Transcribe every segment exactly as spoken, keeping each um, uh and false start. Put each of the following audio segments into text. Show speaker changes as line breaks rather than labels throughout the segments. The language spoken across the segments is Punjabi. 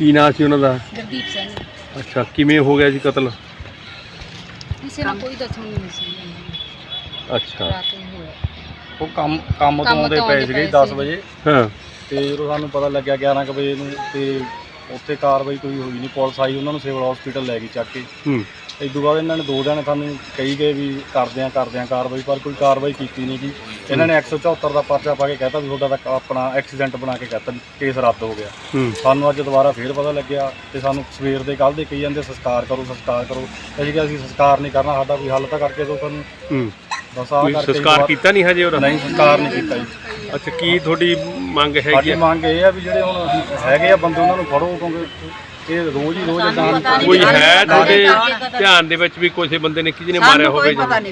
ਕੀ ਨਾਂ ਸੀ ਉਹਨਾਂ ਦਾ?
ਗੁਰਦੀਪ ਸਿੰਘ।
ਅੱਛਾ, ਕਿਵੇਂ ਹੋ ਗਿਆ ਜੀ ਕਤਲ?
ਕਿਸੇ ਨੂੰ ਕੋਈ ਦੱਸਣ ਨਹੀਂ ਸੀ।
ਅੱਛਾ,
ਰਾਤ ਨੂੰ ਹੋਇਆ।
ਉਹ ਕੰਮ ਕੰਮ ਤੋਂ ਆਉਂਦੇ ਪਏ ਸੀਗੇ ਦਸ ਵਜੇ।
ਹਾਂ,
ਤੇ ਜਦੋਂ ਸਾਨੂੰ ਪਤਾ ਲੱਗਿਆ ਗਿਆਰਾਂ ਕੁ ਵਜੇ ਨੂੰ ਤੇ ਉੱਥੇ ਕਾਰਵਾਈ ਕੋਈ ਹੋਈ ਨਹੀਂ। ਪੁਲਿਸ ਆਈ, ਉਹਨਾਂ ਨੂੰ ਸਿਵਲ ਹਸਪੀਟਲ ਲੈ ਗਈ ਚੱਕ ਕੇ।
ਹੂੰ,
ਇਸ ਤੋਂ ਬਾਅਦ ਇਹਨਾਂ ਨੇ ਦੋ ਦਿਨ ਸਾਨੂੰ ਕਹੀ ਗਏ ਵੀ ਕਰਦੇ ਆ ਕਰਦੇ ਆ ਕਾਰਵਾਈ, ਪਰ ਕੋਈ ਕਾਰਵਾਈ ਕੀਤੀ ਨਹੀਂ ਜੀ। ਇਹਨਾਂ ਨੇ ਇੱਕ ਸੌ ਚੌਹੱਤਰ ਦਾ ਪਰਚਾ ਪਾ ਕੇ ਕਹਿਤਾ ਵੀ ਤੁਹਾਡਾ ਤਾਂ ਆਪਣਾ ਐਕਸੀਡੈਂਟ ਬਣਾ ਕੇ ਕਹਿਤਾ ਵੀ ਕੇਸ ਰੱਦ ਹੋ ਗਿਆ।
ਹੂੰ,
ਸਾਨੂੰ ਅੱਜ ਦੁਬਾਰਾ ਫੇਰ ਪਤਾ ਲੱਗਿਆ ਤੇ ਸਾਨੂੰ ਸਵੇਰ ਦੇ ਕੱਲ੍ਹ ਦੇ ਕਹੀ ਜਾਂਦੇ ਸੰਸਕਾਰ ਕਰੋ ਸੰਸਕਾਰ ਕਰੋ। ਅਸੀਂ ਕਿਹਾ ਅਸੀਂ ਸੰਸਕਾਰ ਨਹੀਂ ਕਰਨਾ, ਸਾਡਾ ਕੋਈ ਹੱਲ ਤਾਂ ਕਰਕੇ ਦਿਓ ਸਾਨੂੰ।
ਹੂੰ,
ਬਸ ਆਹ ਕਰਕੇ
ਸੰਸਕਾਰ ਕੀਤਾ ਨਹੀਂ ਹਜੇ ਉਹਦਾ?
ਨਹੀਂ, ਸੰਸਕਾਰ ਨਹੀਂ ਕੀਤਾ ਜੀ।
ਅੱਛਾ, ਕੀ ਤੁਹਾਡੀ ਮੰਗ ਹੈਗੀ
ਸਾਡੀ
ਆ?
ਮੰਗ ਇਹ ਆ ਵੀ ਜਿਹੜੇ ਹੁਣ ਹੈਗੇ ਆ ਬੰਦੇ ਉਹਨਾਂ ਨੂੰ ਫੜੋ, ਕਿਉਂਕਿ ਇਹ ਰੋਜ਼ ਹੀ ਰੋਜ਼ ਏਦਾਂ
ਕੋਈ ਹੈ ਤੁਹਾਡੇ ਧਿਆਨ ਦੇ ਵਿੱਚ ਵੀ ਕਿਸੇ ਬੰਦੇ ਨੇ ਕਿਹਨੇ ਮਾਰਿਆ ਹੋਵੇ?
ਸਾਨੂੰ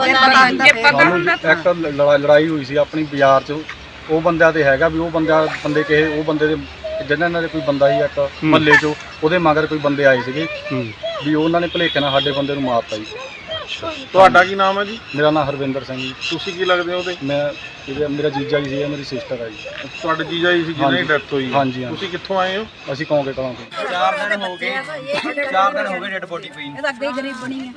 ਇੱਕ ਲੜਾ- ਲੜਾਈ ਹੋਈ ਸੀ ਆਪਣੀ ਬਾਜ਼ਾਰ 'ਚ, ਉਹ ਬੰਦਿਆਂ ਤੇ ਹੈਗਾ ਵੀ ਉਹ ਬੰਦਾ ਬੰਦੇ ਕਿਸੇ ਉਹ ਬੰਦੇ ਦੇ ਜਿਹਨਾਂ ਨਾਲ ਕੋਈ ਬੰਦਾ ਸੀ ਇੱਕ ਮਹੱਲੇ 'ਚੋਂ, ਉਹਦੇ ਮਗਰ ਕੋਈ ਬੰਦੇ ਆਏ ਸੀਗੇ ਵੀ ਉਹਨਾਂ ਨੇ ਭੁਲੇਖੇ ਨਾਲ ਸਾਡੇ ਬੰਦੇ ਨੂੰ ਮਾਰਤਾ ਜੀ।
ਤੁਹਾਡਾ ਕੀ ਨਾਮ ਹੈ ਜੀ?
ਮੇਰਾ ਨਾਮ ਹਰਵਿੰਦਰ ਸਿੰਘ ਜੀ।
ਤੁਸੀਂ ਕੀ ਲੱਗਦੇ ਹੋ ਉਹਦੇ?
ਮੈਂ ਇਹਦੇ- ਮੇਰਾ ਜੀਜਾ ਜੀ ਸੀ, ਮੇਰੀ ਸਿਸਟਰ ਆ ਜੀ।
ਤੁਹਾਡੇ ਜੀਜਾ ਜੀ ਸੀ ਜਿਹਨਾਂ ਦੀ ਡੈਥ ਹੋਈ?
ਹਾਂਜੀ,
ਤੁਸੀਂ ਕਿੱਥੋਂ ਆਏ ਹੋ?
ਅਸੀਂ ਕੌਂਕੇ ਕਲਾਂ ਤੋਂ।
ਚਾਰ ਦਿਨ ਹੋ ਗਏ ਚਾਰ ਦਿਨ ਹੋ ਗਏ ਡੈਡ ਬੋਡੀ ਪਈ ਨੂੰ।
ਇਹ ਤਾਂ ਅੱਗੇ ਹੀ ਗਰੀਬ ਬਣੀ ਹੈ।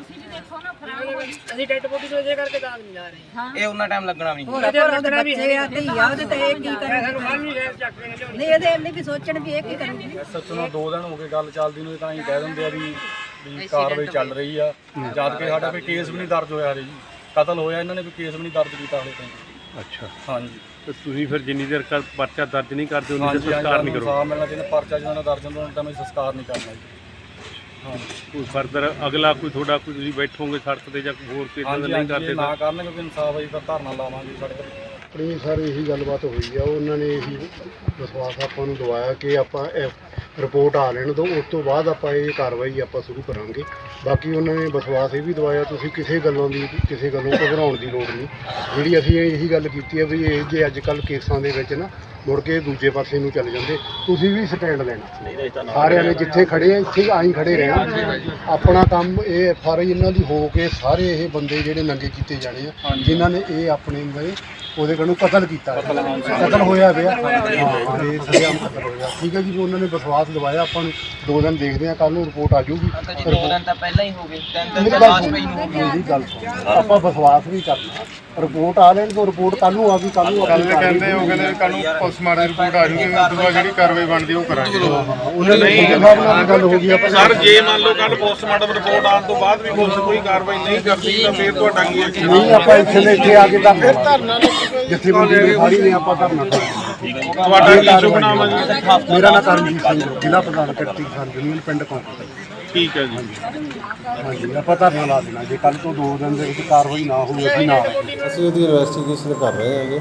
ਅਸੀਂ ਡੈਡ ਬੋਡੀ ਤੋਂ ਇਹਦੇ ਕਰਕੇ ਦਾਗ ਨਹੀਂ ਜਾ ਰਹੇ। ਹਾਂ,
ਇਹ ਉਹਨਾਂ ਟਾਈਮ ਲੱਗਣਾ ਵੀ ਨਹੀਂ।
ਹੋਰ ਉਹਦੇ ਬੱਚੇ ਆ ਧੀ ਆ, ਉਹਦੇ ਤੇ ਇਹ ਕੀ ਕਰਨਗੇ? ਨਹੀਂ, ਇਹਦੇ ਇਹ ਵੀ ਸੋਚਣ ਵੀ ਇਹ ਕੀ ਕਰਨਗੇ।
ਸੱਚ ਨੂੰ ਦੋ ਦਿਨ ਹੋ ਗਏ ਗੱਲ ਚੱਲਦੀ ਨੂੰ, ਤਾਂ ਹੀ ਕਹਿ ਦਿੰਦੇ ਆ ਵੀ ਵੀ ਕਾਰਵਾਈ ਚੱਲ ਰਹੀ ਆ, ਜਦ ਕਿ ਸਾਡਾ ਕੋਈ ਕੇਸ ਵੀ ਨਹੀਂ ਦਰਜ ਹੋਇਆ ਹਰੇ ਜੀ। ਕਤਲ ਹੋਇਆ, ਇਹਨਾਂ ਨੇ ਕੋਈ ਕੇਸ ਵੀ ਨਹੀਂ ਦਰਜ ਕੀਤਾ ਹਲੇ ਤਾਈਂ।
ਅੱਛਾ,
ਹਾਂਜੀ।
ਤੇ ਤੁਸੀਂ ਫਿਰ ਜਿੰਨੀ ਦੇਰ ਤੱਕ ਪਰਚਾ ਦਰਜ ਨਹੀਂ ਕਰਦੇ ਉਨੀ ਦੇਰ
ਹਾਂਜੀ,
ਸੰਸਕਾਰ ਨਹੀਂ ਕਰੋ?
ਇਨਸਾਫ਼ ਮਿਲਣਾ ਚਾਹੀਦਾ। ਪਰਚਾ ਜਦੋਂ ਦਰਜ ਹੁੰਦਾ ਤਾਂ ਮੈਂ ਸੰਸਕਾਰ ਨਹੀਂ ਕਰਨਾ ਜੀ। ਹਾਂ,
ਕੋਈ ਫਰਦਰ ਅਗਲਾ ਕੋਈ ਤੁਹਾਡਾ ਕੋਈ ਤੁਸੀਂ ਬੈਠੋਗੇ ਸੜਕ ਤੇ ਜਾਂ ਕੋਈ ਹੋਰ ਕੋਈ ਇਦਾਂ ਦਾ ਨਹੀਂ ਕਰਦੇ
ਨਾ ਕਰਨ ਕਿਉਂਕਿ ਇਨਸਾਫ ਆਈ ਤਾਂ ਧਰਨਾ ਲਾਵਾਂਗੇ ਸੜਕ ਤੇ।
ਆਪਣੀ ਸਰ ਇਹੀ ਗੱਲਬਾਤ ਹੋਈ ਆ, ਉਹਨਾਂ ਨੇ ਇਹੀ ਵਿਸ਼ਵਾਸ ਆਪਾਂ ਨੂੰ ਦਵਾਇਆ ਕਿ ਆਪਾਂ ਰਿਪੋਰਟ ਆ ਲੈਣ ਦਿਓ, ਉਸ ਤੋਂ ਬਾਅਦ ਆਪਾਂ ਇਹ ਕਾਰਵਾਈ ਆਪਾਂ ਸ਼ੁਰੂ ਕਰਾਂਗੇ। ਬਾਕੀ ਉਹਨਾਂ ਨੇ ਵਿਸ਼ਵਾਸ ਇਹ ਵੀ ਦਵਾਇਆ ਤੁਸੀਂ ਕਿਸੇ ਗੱਲੋਂ ਦੀ ਕਿਸੇ ਗੱਲੋਂ ਘਬਰਾਉਣ ਦੀ ਲੋੜ ਨਹੀਂ। ਜਿਹੜੀ ਅਸੀਂ ਇਹੀ ਗੱਲ ਕੀਤੀ ਹੈ ਵੀ ਇਹ ਜੇ ਅੱਜ ਕੱਲ੍ਹ ਕੇਸਾਂ ਦੇ ਵਿੱਚ ਨਾ ਮੁੜ ਕੇ ਦੂਜੇ ਪਾਸੇ ਨੂੰ ਚੱਲ ਜਾਂਦੇ, ਤੁਸੀਂ ਵੀ ਸਟੈਂਡ ਲੈਣਾ। ਸਾਰਿਆਂ ਨੇ ਜਿੱਥੇ ਖੜੇ ਆ ਇੱਥੇ ਆਈ ਖੜੇ ਰਹਿਣਾ। ਆਪਣਾ ਕੰਮ ਇਹ ਐਫ ਆਰ ਆਈ ਇਹਨਾਂ ਦੀ ਹੋ ਕੇ ਸਾਰੇ ਇਹ ਬੰਦੇ ਜਿਹੜੇ ਨੰਗੇ ਕੀਤੇ ਜਾਣੇ ਆ ਜਿਨ੍ਹਾਂ ਨੇ ਇਹ ਆਪਣੇ ਦੇ ਉਹਦੇ ਕੋਲੋਂ ਕਤਲ ਕੀਤਾ, ਕਤਲ ਹੋਇਆ ਪਿਆ। ਹਾਂ, ਇਹ ਸਰਿਆਮ ਕਤਲ ਹੋਇਆ। ਠੀਕ ਹੈ ਜੀ, ਉਹਨਾਂ ਨੇ ਵਿਸ਼ਵਾਸ ਦਵਾਇਆ ਆਪਾਂ ਨੂੰ। ਦੋ ਦਿਨ ਦੇਖਦੇ ਆ, ਕੱਲ੍ਹ ਨੂੰ ਰਿਪੋਰਟ ਆ ਜਾਊਗੀ।
ਦੋ ਦਿਨ ਤਾਂ ਪਹਿਲਾਂ ਹੀ ਹੋ ਗਏ, ਤਿੰਨ ਦਿਨ
ਮੇਰੀ
ਤਾਂ
ਗੱਲ
ਲਾਸ਼ ਪਈ ਨੂੰ ਹੋ ਗਈ।
ਮੇਰੀ ਗੱਲ ਸੁਣੋ, ਆਪਾਂ ਵਿਸ਼ਵਾਸ ਵੀ ਕਰਨਾ। ਰਿਪੋਰਟ ਆ ਲੈਣ ਤੋਂ ਰਿਪੋਰਟ ਕੱਲ੍ਹ ਨੂੰ ਆ ਗਈ, ਕੱਲ੍ਹ ਨੂੰ
ਕੱਲ੍ਹ ਕਹਿੰਦੇ ਉਹ ਕਹਿੰਦੇ ਕੱਲ੍ਹ ਨੂੰ ਪੋਸਟਮਾਰਟਮ ਰਿਪੋਰਟ ਆ ਜੂਗੀ, ਉਸ ਤੋਂ ਬਾਅਦ ਜਿਹੜੀ ਕਾਰਵਾਈ ਬਣਦੀ ਉਹ ਕਰਾਂਗੇ।
ਉਹਨਾਂ ਨੇ ਸਾਹਿਬ ਨਾਲ ਗੱਲ ਹੋ ਗਈ ਆਪਾਂ।
ਸਰ, ਜੇ ਮੰਨ ਲਓ ਕੱਲ ਪੋਸਟਮਾਰਟਮ ਰਿਪੋਰਟ ਆਉਣ ਤੋਂ ਬਾਅਦ ਵੀ ਪੁਲਿਸ ਕੋਈ ਕਾਰਵਾਈ ਨਹੀਂ ਕਰਦੀ ਤਾਂ ਫਿਰ ਤੁਹਾਡਾ ਕੀ ਹੈ?
ਨਹੀਂ, ਆਪਾਂ ਇੱਥੇ ਦੇ ਇੱਥੇ ਆ ਕੇ ਤਾਂ ਫਿਰ ਧਰਨਾ ਜਿੱਥੇ ਬੰਦੇ ਨੇ ਫਾੜੀ ਨੇ ਆਪਾਂ ਧਰਨਾ ਕਰਾਂਗੇ।
ਤੁਹਾਡਾ ਕੀ ਸ਼ੁਭ ਨਾਮ ਹੈ ਜੀ?
ਮੇਰਾ ਨਾਮ ਕਰਮਜੀਤ ਸਿੰਘ, ਜ਼ਿਲ੍ਹਾ ਪ੍ਰਧਾਨ ਕਿਰਤੀ ਕਿਸਾਨ ਯੂਨੀਅਨ ਪਿੰਡ ਕੌਂਕੇ।
ਠੀਕ ਹੈ ਜੀ।
ਹਾਂਜੀ, ਆਪਾਂ ਧਰਨਾ ਲਾ ਦੇਣਾ ਜੇ ਕੱਲ੍ਹ ਤੋਂ ਦੋ ਦਿਨ ਦੇ ਵਿੱਚ ਕਾਰਵਾਈ ਨਾ ਹੋਈ ਅਸੀਂ ਨਾ
ਅਸੀਂ ਉਹਦੀ ਇਨਵੈਸਟੀਗੇਸ਼ਨ ਕਰ ਰਹੇ ਹੈਗੇ।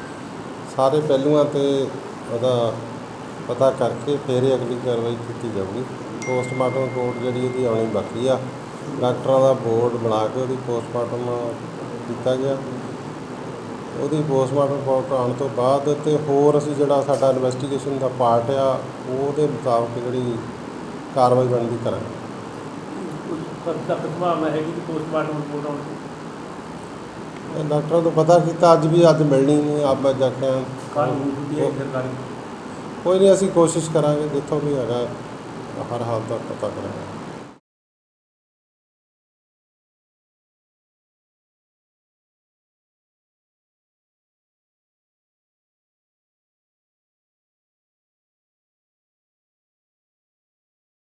ਸਾਰੇ ਪਹਿਲੂਆਂ ਤੇ ਉਹਦਾ ਪਤਾ ਕਰਕੇ ਫਿਰ ਹੀ ਅਗਲੀ ਕਾਰਵਾਈ ਕੀਤੀ ਜਾਊਗੀ। ਪੋਸਟਮਾਰਟਮ ਰਿਪੋਰਟ ਜਿਹੜੀ ਉਹਦੀ ਆਉਣੀ ਬਾਕੀ ਆ। ਡਾਕਟਰਾਂ ਦਾ ਬੋਰਡ ਬਣਾ ਕੇ ਉਹਦੀ ਪੋਸਟਮਾਰਟਮ ਕੀਤਾ ਗਿਆ। ਉਹਦੀ ਪੋਸਟਮਾਰਟਮ ਰਿਪੋਰਟ ਆਉਣ ਤੋਂ ਬਾਅਦ ਤੇ ਹੋਰ ਅਸੀਂ ਜਿਹੜਾ ਸਾਡਾ ਇਨਵੈਸਟੀਗੇਸ਼ਨ ਦਾ ਪਾਰਟ ਆ ਉਹਦੇ ਮੁਤਾਬਕ ਜਿਹੜੀ ਕਾਰਵਾਈ ਬਣਦੀ ਕਰਾਂਗੇ। ਡਾਕਟਰਾਂ ਤੋਂ ਪਤਾ ਕੀਤਾ, ਅੱਜ ਵੀ ਅੱਜ ਮਿਲਣੀ ਨਹੀਂ। ਆਪ ਜਾ ਕੇ ਕੋਈ ਨਹੀਂ, ਅਸੀਂ ਕੋਸ਼ਿਸ਼ ਕਰਾਂਗੇ ਜਿੱਥੋਂ ਵੀ ਹੈਗਾ ਹਰ ਹਾਲ ਦਾ ਪਤਾ ਕਰਾਂਗੇ।